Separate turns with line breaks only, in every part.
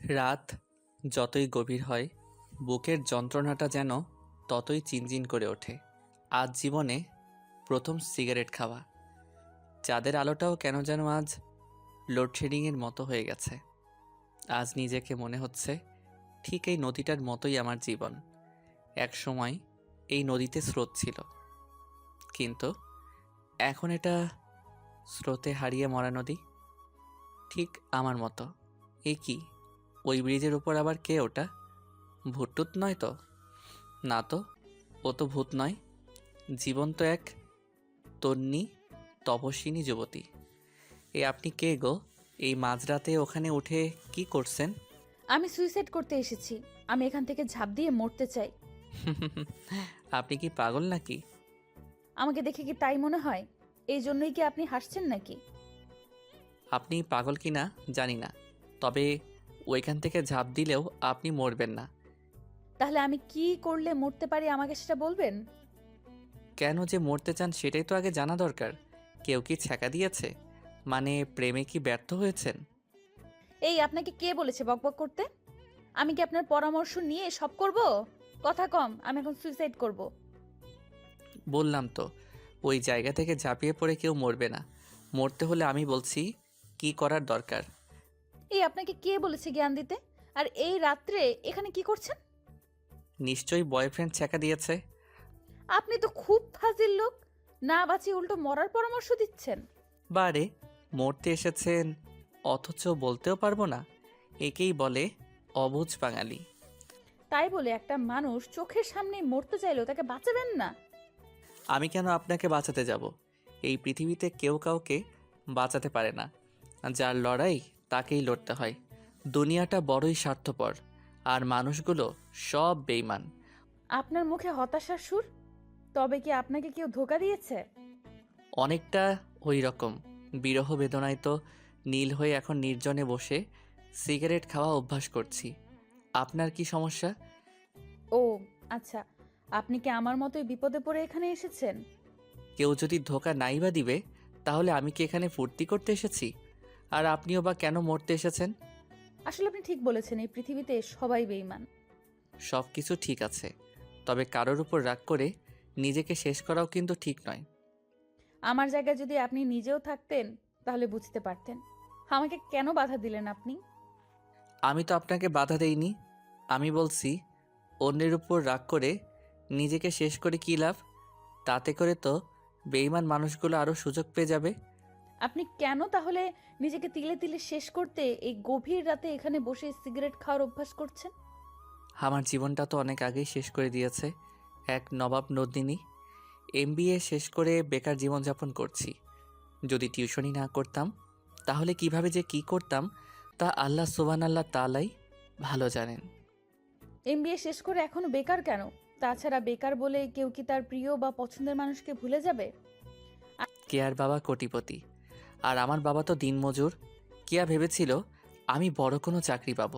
রাত যতই গভীর হয়, বুকের যন্ত্রণাটা যেন ততই চিনচিন করে ওঠে। আজ জীবনে প্রথম সিগারেট খাওয়া। চাঁদের আলোটাও কেন যেন আজ লোডশেডিংয়ের মতো হয়ে গেছে। আজ নিজেকে মনে হচ্ছে ঠিক এই নদীটার মতোই আমার জীবন। এক সময় এই নদীতে স্রোত ছিল, কিন্তু এখন এটা স্রোতে হারিয়ে মরা নদী, ঠিক আমার মতো। এ কি, ওই ব্রিজের উপর আবার কে ওটা? ভূতটুত নয় তো? না তো, ও তো ভূত নয়, জীবন্ত এক তন্বী তপস্বিনী যুবতী। আপনি কে গো? এই মাঝরাতে ওখানে উঠে কি করছেন?
আমি সুইসাইড করতে এসেছি। আমি এখান থেকে ঝাঁপ দিয়ে মরতে চাই।
আপনি কি পাগল নাকি?
আমাকে দেখে কি তাই মনে হয়? এই জন্যই কি আপনি হাসছেন নাকি?
আপনি পাগল কি না জানি না, তবে ওইখান থেকে ঝাঁপ দিলেও আপনি মরবেন না।
তাহলে আমি কি করলে মরতে পারি আমাকে সেটা বলবেন?
কেন যে মরতে চান সেটাই তো আগে জানা দরকার। কেউ কি ছ্যাঁকা দিয়েছে? মানে প্রেমে কি ব্যর্থ হয়েছেন?
এই আপনাকে কে বলেছে বকবক করতে? আমি কি আপনার পরামর্শ নিয়ে সব করব? কথা কম, আমি এখন সুইসাইড করব।
বললাম তো, ওই জায়গা থেকে ঝাঁপিয়ে পড়ে কেউ মরবে না। মরতে হলে আমি বলছি কি করার দরকার।
এই আপনাকে কে বলেছে জ্ঞান দিতে? আর এই রাত্রে এখানে কি করছেন?
নিশ্চয়ই বয়ফ্রেন্ড ছ্যাঁকা দিয়েছে।
আপনি তো খুব ফাজিল লোক। না বাঁচিয়ে উল্টো মরার পরামর্শ দিচ্ছেন।
বারে, মরতে এসেছেন অথচ বলতেও পারবো না, একেই বলে অবুঝ বাঙালি।
তাই বলে একটা মানুষ চোখের সামনে মরতে চাইলেও তাকে বাঁচাবেন না?
আমি কেন আপনাকে বাঁচাতে যাব? এই পৃথিবীতে কেউ কাউকে বাঁচাতে পারে না। যার লড়াই তাকেই লড়তে হয়। দুনিয়াটা বড়ই স্বার্থপর, আর মানুষগুলো সব বেইমান।
আপনার মুখে হতাশার সুর। তবে কি আপনাকে কেউ ধোঁকা দিয়েছে?
অনেকটা ওই রকম। বিরহ বেদনায় তো নীল হয়ে এখন নির্জনে বসে সিগারেট খাওয়া অভ্যাস করছি। আপনার কি সমস্যা?
ও আচ্ছা, আপনি কি আমার মতোই বিপদে পড়ে এখানে এসেছেন?
কেউ যদি ধোঁকা নাই বা দিবে, তাহলে আমি কি এখানে ফুর্তি করতে এসেছি? আর আপনিও বা কেন মরতে এসেছেন?
আসলে আপনি ঠিক বলেছেন, এই পৃথিবীতে সবাই বেঈমান।
সব কিছু ঠিক আছে, তবে কারোর উপর রাগ করে নিজেকে শেষ করাও কিন্তু ঠিক নয়।
আমার জায়গায় যদি আপনি নিজেও থাকতেন তাহলে বুঝতে পারতেন। আমাকে কেন বাধা দিলেন আপনি?
আমি তো আপনাকে বাধা দেইনি। আমি বলছি, অন্যের উপর রাগ করে নিজেকে শেষ করে কী লাভ? তাতে করে তো বেইমান মানুষগুলো আরও সুযোগ পেয়ে যাবে।
আপনি কেন তাহলে নিজেকে তিলে তিলে শেষ করতে এই গভীর রাতে এখানে বসে সিগারেট খাওয়ার অভ্যাস করছেন?
আমার জীবনটা তো অনেক আগেই শেষ করে দিয়েছে এক নবাব নন্দিনী। এমবিএ শেষ করে বেকার জীবনযাপন করছি। যদি টিউশনি না করতাম তাহলে কিভাবে যে কি করতাম তা আল্লাহ সুবহানাল্লাহ তাআলাই ভালো জানেন।
এমবিএ শেষ করে এখনো বেকার কেন? তাছাড়া বেকার বলে কেউ কি তার প্রিয় বা পছন্দের মানুষকে ভুলে যাবে?
কেয়ার বাবা কোটিপতি, আর আমার বাবা তো দিনমজুর। কেয়া ভেবেছিল আমি বড় কোনো চাকরি পাবো,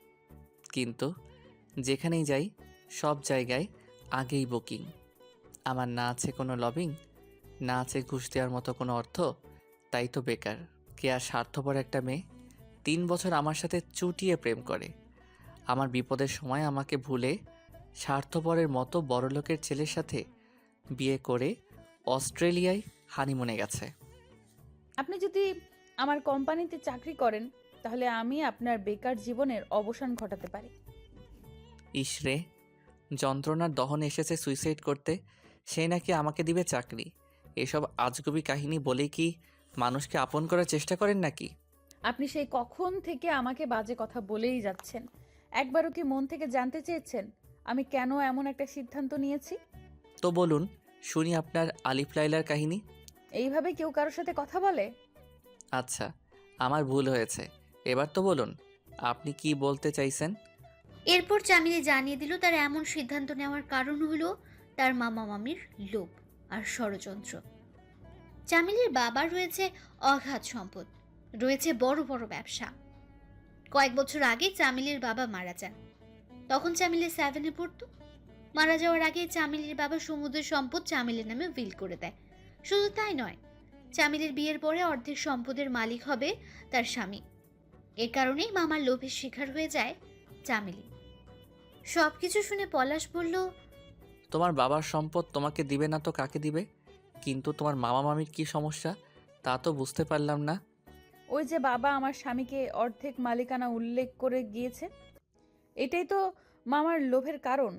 কিন্তু যেখানেই যাই সব জায়গায় আগেই বুকিং। আমার না আছে কোনো লবিং, না আছে ঘুষ দেওয়ার মতো কোনো অর্থ, তাই তো বেকার। কেয়া স্বার্থপর একটা মেয়ে, 3 বছর আমার সাথে চুটিয়ে প্রেম করে। আমার বিপদের সময় আমাকে ভুলে স্বার্থপরের মতো বড়লোকের ছেলের সাথে বিয়ে করে অস্ট্রেলিয়ায় হানিমুনে গেছে।
আপনি যদি আমার কোম্পানিতে চাকরি করেন তাহলে আমি আপনার বেকার জীবনের অবসান ঘটাতে পারি।
ইসরে, যন্ত্রণার দহন এসেছে সুইসাইড করতে, সে নাকি আমাকে দিবে চাকরি। এসব আজগুবি কাহিনী বলেই কি মানুষকে আপন করার চেষ্টা করেন নাকি?
আপনি সেই কখন থেকে আমাকে বাজে কথা বলেই যাচ্ছেন। একবারও কি মন থেকে জানতে চেয়েছেন আমি কেন এমন একটা সিদ্ধান্ত নিয়েছি?
তো বলুন, শুনি আপনার আলিফ লাইলার কাহিনী।
এইভাবে কেউ কারোর সাথে কথা বলে?
আচ্ছা, আমার ভুল হয়েছে, এবার তো বলুন আপনি কি বলতে চাইছেন।
এরপর চামিলি জানিয়ে দিল তার এমন সিদ্ধান্ত নেওয়ার কারণ হলো তার মামা মামির লোভ আর ষড়যন্ত্র। চামিলির বাবার রয়েছে অগাধ সম্পদ, রয়েছে বড় বড় ব্যবসা। কয়েক বছর আগে চামিলির বাবা মারা যান। তখন চামিলি 7-এ পড়তো। মারা যাওয়ার আগে চামিলির বাবা সমুদ্রের সম্পদ চামিলির নামে উইল করে দেয়। শুধু তাই নয়, চামিলির বিয়ের পরে অর্ধেক সম্পদের মালিক হবে তার স্বামী। এ কারণেই মামার লোভের শিকার হয়ে যায় চামেলি। সবকিছু শুনে পলাশ বলল,
তোমার বাবার সম্পদ তোমাকে দিবে না তো কাকে দিবে? কিন্তু তোমার মামা মামির কি সমস্যা তা তো বুঝতে পারলাম না।
ওই যে বাবা আমার স্বামীকে অর্ধেক মালিকানা উল্লেখ করে গিয়েছে, এটাই তো মামার লোভের কারণ।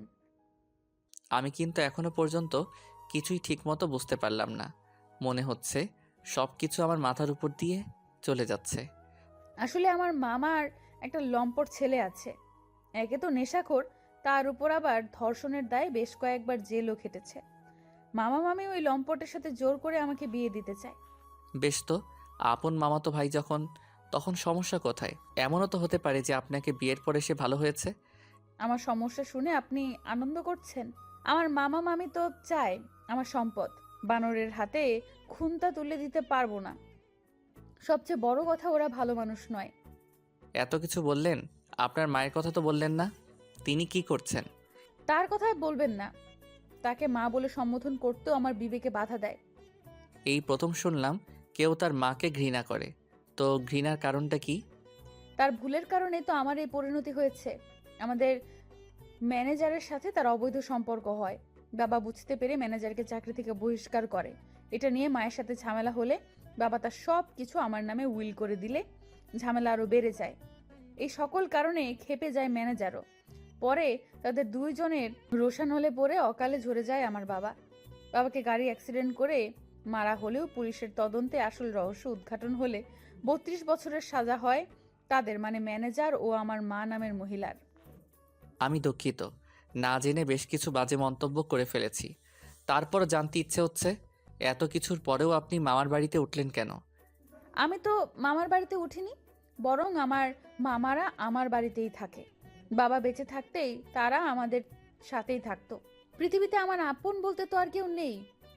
আমি কিন্তু এখনো পর্যন্ত কিছুই ঠিকমতো বুঝতে পারলাম না। মনে হচ্ছে সব কিছু আমার মাথার উপর দিয়ে চলে যাচ্ছে।
আসলে আমার মামার একটা লম্পট ছেলে আছে। একে তো নেশাখোর, তার উপর আবার ধর্ষণের দায়ে বেশ কয়েকবার জেলও খেটেছে। মামা মামি ওই লম্পটের সাথে জোর করে আমাকে বিয়ে দিতে চায়।
বেশ তো, আপন মামাতো ভাই যখন, তখন সমস্যা কোথায়? এমনও তো হতে পারে যে আপনাকে বিয়ের পরে সে ভালো হয়েছে।
আমার সমস্যা শুনে আপনি আনন্দ করছেন? আমার মামা মামি তো চায় আমার সম্পদ। বানরের হাতে খুন্তা তুলে দিতে পারবো না। সবচেয়ে বড় কথা, ওরা ভালো মানুষ নয়।
এত কিছু বললেন, আপনার মায়ের কথা তো বললেন না। তিনি কি করছেন?
তার কথায় বলবেন না। তাকে মা বলে সম্বোধন করতেও আমার বিবেকে বাধা দেয়।
এই প্রথম শুনলাম কেউ তার মাকে ঘৃণা করে। তো ঘৃণার কারণটা কি?
তার ভুলের কারণে তো আমার এই পরিণতি হয়েছে। আমাদের ম্যানেজারের সাথে তার অবৈধ সম্পর্ক হয়। বাবা বুঝতে পেরে ম্যানেজারকে চাকরি থেকে বহিষ্কার করে। এটা নিয়ে মায়ের সাথে ঝামেলা হলে বাবা তার সব কিছু আমার নামে উইল করে দিলে ঝামেলা আরও বেড়ে যায়। এই সকল কারণে ক্ষেপে যায় ম্যানেজারও। পরে তাদের দুইজনের রোশান হলে পরে অকালে ঝরে যায় আমার বাবা। বাবাকে গাড়ি অ্যাক্সিডেন্ট করে মারা হলেও পুলিশের তদন্তে আসল রহস্য উদ্ঘাটন হলে 32 বছরের সাজা হয় তাদের, মানে ম্যানেজার ও আমার মা নামের মহিলার।
আমি দুঃখিত, না জেনে বেশ কিছু বাজে মন্তব্য করে ফেলেছি। তারপর জানতে ইচ্ছে হচ্ছে, এত কিছুর পরেও আপনি মামার বাড়িতে উঠলেন কেন?
আমি তো মামার বাড়িতে উঠিনি, বরং আমার মামারা আমার বাড়িতেই থাকে। বাবা বেঁচে থাকতেই তারা আমাদের সাথেই থাকতো। পৃথিবীতে আমার আপন বলতে তো আর কেউ নেই।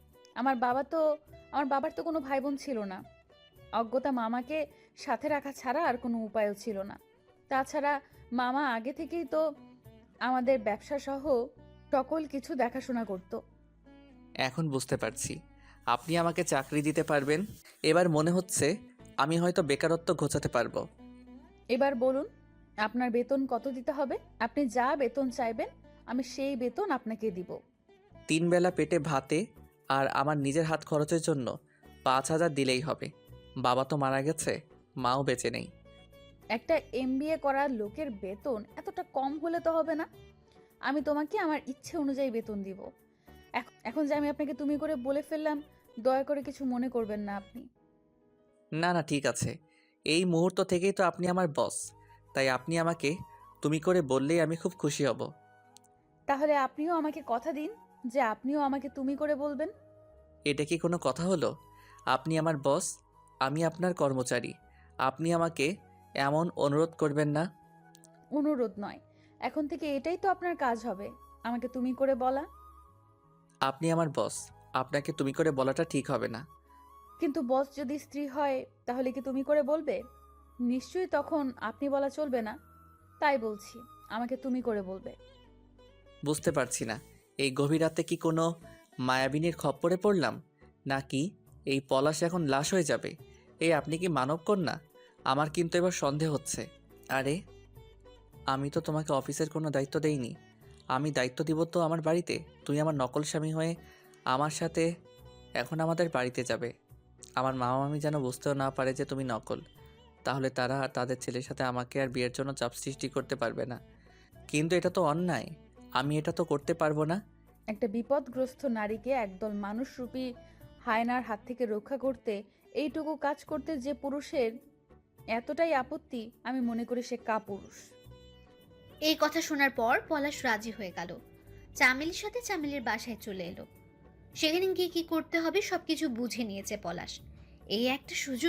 আমার বাবার তো কোনো ভাই বোন ছিল না। অজ্ঞতা মামাকে সাথে রাখা ছাড়া আর কোনো উপায়ও ছিল না। তাছাড়া মামা আগে থেকেই তো আমাদের ব্যবসা সহ সকল কিছু দেখাশোনা করত।
এখন বুঝতে পারছি আপনি আমাকে চাকরি দিতে পারবেন। এবার মনে হচ্ছে আমি হয়তো বেকারত্ব ঘোচাতে পারবো।
এবার বলুন, আপনার বেতন কত দিতে হবে? আপনি যা বেতন চাইবেন আমি সেই বেতন আপনাকে দিব।
3 বেলা পেটে ভাতে আর আমার নিজের হাত খরচের জন্য 5,000 দিলেই হবে। বাবা তো মারা গেছে, মাও বেঁচে নেই।
একটা এমবিএ করা লোকের বেতন এতটা কম হলে তো হবে না। আমি তোমাকে আমার ইচ্ছে অনুযায়ী বেতন দিব। এখন যে আমি আপনাকে তুমি করে বলে ফেললাম, দয়া করে কিছু মনে করবেন না আপনি।
না না, ঠিক আছে। এই মুহূর্ত থেকেই তো আপনি আমার বস, তাই আপনি আমাকে তুমি করে বললেই আমি খুব খুশি হব।
তাহলে আপনিও আমাকে কথা দিন যে আপনিও আমাকে তুমি করে বলবেন।
এটা কি কোনো কথা হলো? আপনি আমার বস, আমি আপনার কর্মচারী। আপনি আমাকে এমন অনুরোধ করবেন না।
অনুরোধ নয়, এখন থেকে এটাই তো আপনার কাজ হবে, আমাকে তুমি করে বলা।
আপনি আমার বস, আপনাকে তুমি করে বলাটা ঠিক হবে না।
কিন্তু বস যদি স্ত্রী হয় তাহলে কি তুমি করে বলবে? নিশ্চয়ই তখন আপনি বলা চলবে না। তাই বলছি, আমাকে তুমি করে বলবে।
বুঝতে পারছি না, এই গভীর রাতে কি কোনো মায়াবিনীর খপ্পরে পড়লাম, নাকি এই পলাশ এখন লাশ হয়ে যাবে? এই আপনি কি মানব কন্যা? আমার কিন্তু এবার সন্দেহ হচ্ছে। আরে, আমি তো তোমাকে অফিসের কোনো দায়িত্ব দেইনি। আমি দায়িত্ব দিব তো আমার বাড়িতে। তুই আমার নকল স্বামী হয়ে আমার সাথে এখন আমাদের বাড়িতে যাবে। আমার মামা মামি যেন বুঝতেও না পারে যে তুমি নকল। তাহলে তারা আর তাদের ছেলের সাথে আমাকে আর বিয়ের জন্য চাপ সৃষ্টি করতে পারবে না। কিন্তু এটা তো অন্যায়, আমি এটা তো করতে পারবো না।
একটা বিপদগ্রস্ত নারীকে একদল মানুষরূপী হায়নার হাত থেকে রক্ষা করতে এইটুকু কাজ করতে যে পুরুষের এতটাই আপত্তি, আমি মনে করি সে কাপুরুষ।
এই কথা শোনার পর পলাশ রাজি হয়ে গেল। চামেলির সাথে চামেলির বাসায় চলে এলো। সেখানে গিয়ে কি করতে হবে সবকিছু বুঝে নিয়েছে পলাশ। এই একটা সুযোগ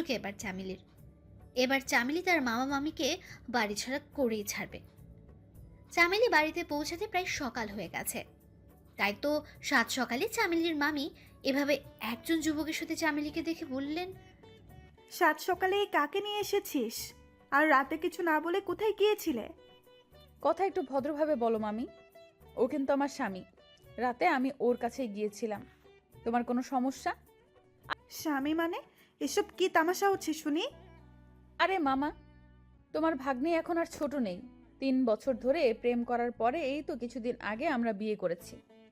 এবার চামেলি তার মামা মামিকে বাড়ি ছাড়া করেই ছাড়বে। চামেলি বাড়িতে পৌঁছাতে প্রায় সকাল হয়ে গেছে। তাই তো সাত সকালে চামেলির মামি এভাবে একজন যুবকের সাথে চামেলিকে দেখে বললেন,
সাত সকালে এই কাকে নিয়ে এসেছিস? আর রাতে কিছু না বলে কোথায় গিয়েছিলে?
কথা একটু ভদ্রভাবে বলো মামি, ও কিন্তু আমার স্বামী। রাতে আমি ওর কাছে গিয়েছিলাম। তোমার কোনো সমস্যা?
স্বামী মানে? এসব কি তামাশা হচ্ছে শুনি?
আরে মামা, তোমার ভাগ্নি এখন আর ছোট নেই। 3 বছর ধরে প্রেম করার পরে এই তো কিছুদিন আগে আমরা বিয়ে করেছি।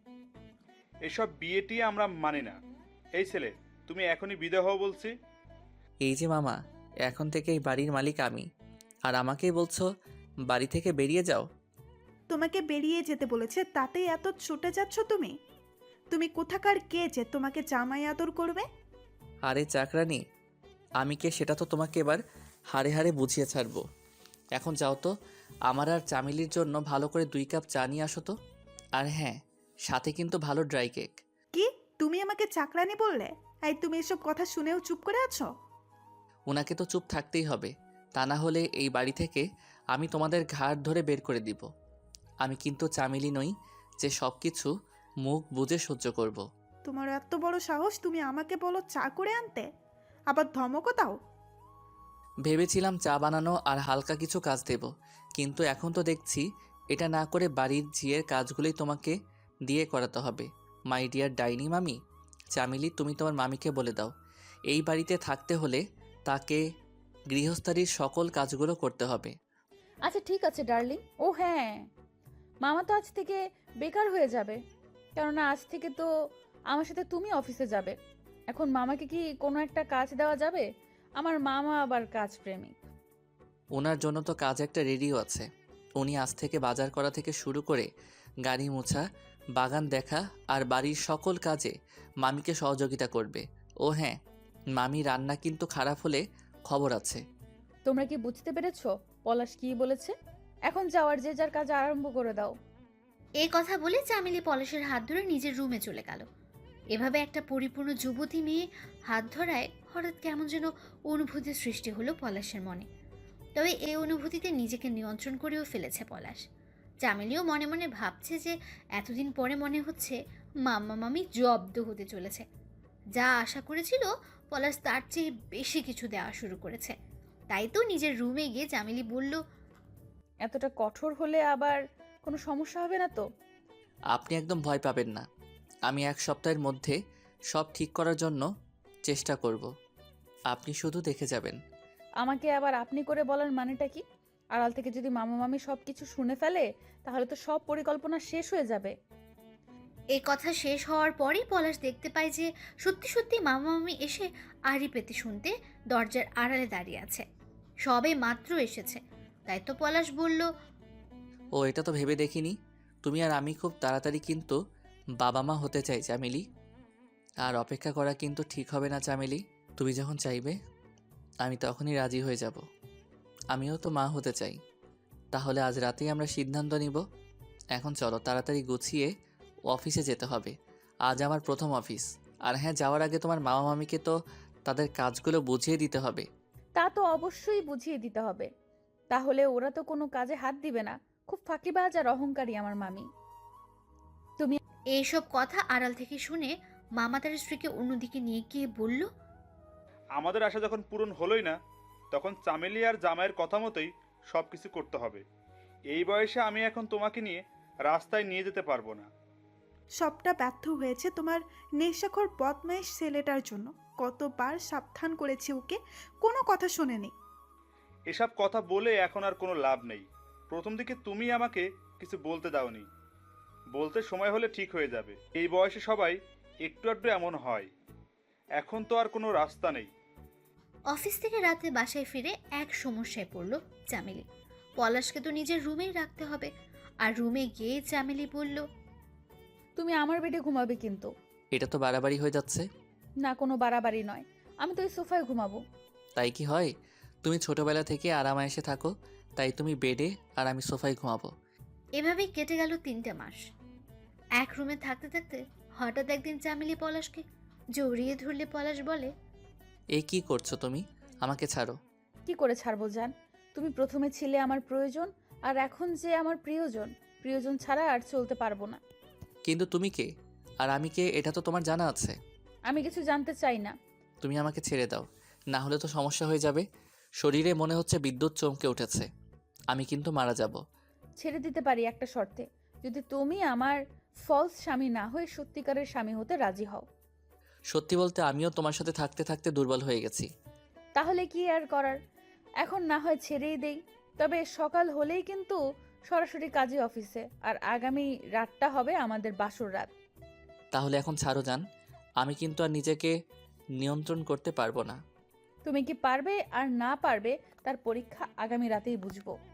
এসব বিয়েটি আমরা মানি না। এই ছেলে, তুমি এখনই বিদায় হও বলছি।
এই যে মামা, এখন থেকে এই বাড়ির মালিক আমি, আর আমাকেই বলছো বাড়ি থেকে বেরিয়ে যাও?
তোমাকে বেরিয়ে যেতে বলেছে, তাতেই এত ছুটে যাচ্ছ তুমি? তুমি কোথাকার কে যে তোমাকে জামাই আদর করবে?
আরে চাকরানি, আমি কে সেটা তো তোমাকে এবার হাড়ে হাড়ে বুঝিয়ে ছাড়বো। এখন যাও তো, আমার আর চামেলির জন্য ভালো করে 2 কাপ চা নিয়ে আসো তো। আর হ্যাঁ, সাথে কিন্তু ভালো ড্রাই কেক।
কি, তুমি আমাকে চাকরানি বললে? এই, তুমি এসব কথা শুনেও চুপ করে আছো?
ওনাকে তো চুপ থাকতেই হবে, তা না হলে এই বাড়ি থেকে আমি তোমাদের ঘাড় ধরে বের করে দিব। আমি কিন্তু চামেলি নই যে সব কিছু মুখ বুজে সহ্য করব।
তোমার এত বড় সাহস, তুমি আমাকে বলো চা করে আনতে, আবার ধমকও দাও?
ভেবেছিলাম চা বানানো আর হালকা কিছু কাজ দেব, কিন্তু এখন তো দেখছি এটা না করে বাড়ির ঝিয়ের কাজগুলোই তোমাকে দিয়ে করাতে হবে। মাই ডিয়ার ডাইনি মামি, চামেলি তুমি তোমার মামিকে বলে দাও এই বাড়িতে থাকতে হলে তাকে গৃহস্থালির সকল কাজগুলো করতে হবে।
আচ্ছা ঠিক আছে ডার্লিং। ও হ্যাঁ, মামা তো আজ থেকে বেকার হয়ে যাবে, কেননা আজ থেকে তো আমার সাথে তুমি অফিসে যাবে। এখন মামাকে কি কোনো একটা কাজ দেওয়া যাবে? আমার মামা আবার কাজ প্রেমিক।
ওনার জন্য তো কাজ একটা রেডিও আছে। উনি আজ থেকে বাজার করা থেকে শুরু করে গাড়ি মোছা, বাগান দেখা আর বাড়ির সকল কাজে মামিকে সহযোগিতা করবে। ও হ্যাঁ, মামি রান্না কিন্তু খারাপ হলে খবর আছে।
তোমরা কি বুঝতে পেরেছো পলাশ কি বলেছে? এখন যাওয়ার যে যার কাজ আরম্ভ করে দাও।
এই কথা বলে চামেলি পলাশের হাত ধরে নিজের রুমে চলে গেল। এভাবে একটা পরিপূর্ণ যুবতী মেয়ে হাত ধরায় হঠাৎ কেমন যেন অনুভূতির সৃষ্টি হলো পলাশের মনে। তবে এই অনুভূতিতে নিজেকে নিয়ন্ত্রণ করেও ফেলেছে পলাশ। চামেলিও মনে মনে ভাবছে যে এতদিন পরে মনে হচ্ছে মাম্মা মামি জব্দ হতে চলেছে। যা আশা করেছিল পলাশ তার চেয়ে বেশি কিছু দেওয়া শুরু করেছে। তাই তো নিজের রুমে গিয়ে চামেলি বলল,
এতটা কঠোর হলে আবার কোনো সমস্যা হবে না তো?
আপনি একদম ভয় পাবেন না। আমি 1 সপ্তাহের মধ্যে সব ঠিক করার জন্য চেষ্টা করব। আপনি শুধু দেখে যাবেন।
আমাকে আবার আপনি করে বলার মানেটা কি? আড়াল থেকে যদি মামা মামি সব কিছু শুনে ফেলে তাহলে তো সব পরিকল্পনা শেষ হয়ে যাবে।
এই কথা শেষ হওয়ার পরেই পলাশ দেখতে পায় যে সত্যি সত্যি মামা মামি এসে আড়ি পেতে শুনতে দরজার আড়ালে দাঁড়িয়ে আছে। সবে মাত্র এসেছে, তাই তো পলাশ বলল,
ও এটা তো ভেবে দেখিনি। তুমি আর আমি খুব তাড়াতাড়ি কিন্তু বাবা মা হতে চাই চামেলি। আর অপেক্ষা করা কিন্তু ঠিক হবে না চামেলি। তুমি যখন চাইবে আমি তখনই রাজি হয়ে যাব। আমিও তো মা হতে চাই। তাহলে আজ রাতেই আমরা সিদ্ধান্ত নিব। এখন চলো তাড়াতাড়ি গুছিয়ে অফিসে যেতে হবে। আজ আমার প্রথম অফিস। আর হ্যাঁ, যাওয়ার আগে তোমার মামা মামিকে তো তাদের কাজগুলো বুঝিয়ে দিতে হবে।
তা তো অবশ্যই বুঝিয়ে দিতে হবে, তাহলে ওরা তো কোনো কাজে হাত দিবে না। খুব ফাঁকিবাজ আর অহংকারী আমার মামি।
এইসব কথা আড়াল থেকে শুনে মামা তার স্ত্রীকে অন্যদিকে নিয়ে গিয়ে বলল,
আমাদের আশা যখন পূরণ হলোই না, তখন চামেলি আর জামাইয়ের কথা মতোই সব কিছু করতে হবে। এই বয়সে আমি এখন তোমাকে নিয়ে রাস্তায় নিয়ে যেতে পারবো না।
সবটা ব্যর্থ হয়েছে তোমার নেশাখোর বদমাইশ ছেলেটার জন্য। কতবার সাবধান করেছি ওকে, কোনো কথা শোনেনি।
এসব কথা বলে এখন আর কোনো লাভ নেই। প্রথম দিকে তুমি আমাকে কিছু বলতে দাওনি। বলতে সময় হলে ঠিক হয়ে যাবে। এই বয়সে সবাই একটু আধটু এমন হয়। এখন তো আর কোনো রাস্তা নেই।
অফিস থেকে রাতে বাসায় ফিরে এক সমস্যায় পড়ল চামেলি। পলাশকে তো নিজের রুমেই রাখতে হবে, আর রুমে গিয়ে চামেলি বলল,
তুমি আমার বেডে ঘুমাবে কিন্তু।
এটা তো বাড়াবাড়ি হয়ে যাচ্ছে।
না, কোনো বাড়াবাড়ি নয়, আমি তো এই সোফায় ঘুমাবো।
তাই কি হয়? তুমি ছোটবেলা থেকে আরামায়েশে থাকো, তাই তুমি বেডে আর আমি সোফায় ঘুমাবো।
এভাবেই কেটে গেল 3টে মাস। এক রুমে থাকতে থাকতে হঠাৎ একদিন চামেলি পলাশকে জড়িয়ে ধরলে পলাশ বলে,
এই কি করছো তুমি? আমাকে ছাড়ো।
কি করে ছাড়বো জান? তুমি প্রথমে ছিলে আমার প্রয়োজন, আর এখন যে আমার প্রিয়জন। প্রিয়জন ছাড়া আর চলতে পারবো না।
কিন্তু তুমি কে আর আমি কে এটা তো তোমার জানা আছে।
আমি কিছু জানতে চাই না।
তুমি আমাকে ছেড়ে দাও, না হলে তো সমস্যা হয়ে যাবে। শরীরে মনে হচ্ছে বিদ্যুৎ চমকে উঠেছে। আমি কিন্তু মারা যাব।
ছেড়ে দিতে পারি একটা শর্তে, যদি তুমি আমার ফলস স্বামী না হয়ে সত্যিকারের স্বামী হতে রাজি হও।
সত্যি বলতে আমিও তোমার সাথে থাকতে থাকতে দুর্বল হয়ে গেছি।
তাহলে কি আর করার? এখন না হয় ছেড়েই দেই, তবে সকাল হলেই কিন্তু সরাসরি কাজে অফিসে, আর আগামী রাতটা হবে আমাদের বাসর রাত।
তাহলে এখন ছাড়ো যান, আমি কিন্তু আর নিজেকে নিয়ন্ত্রণ করতে পারবো না।
তুমি কি পারবে আর না পারবে তার পরীক্ষা আগামী রাতেই বুঝবো।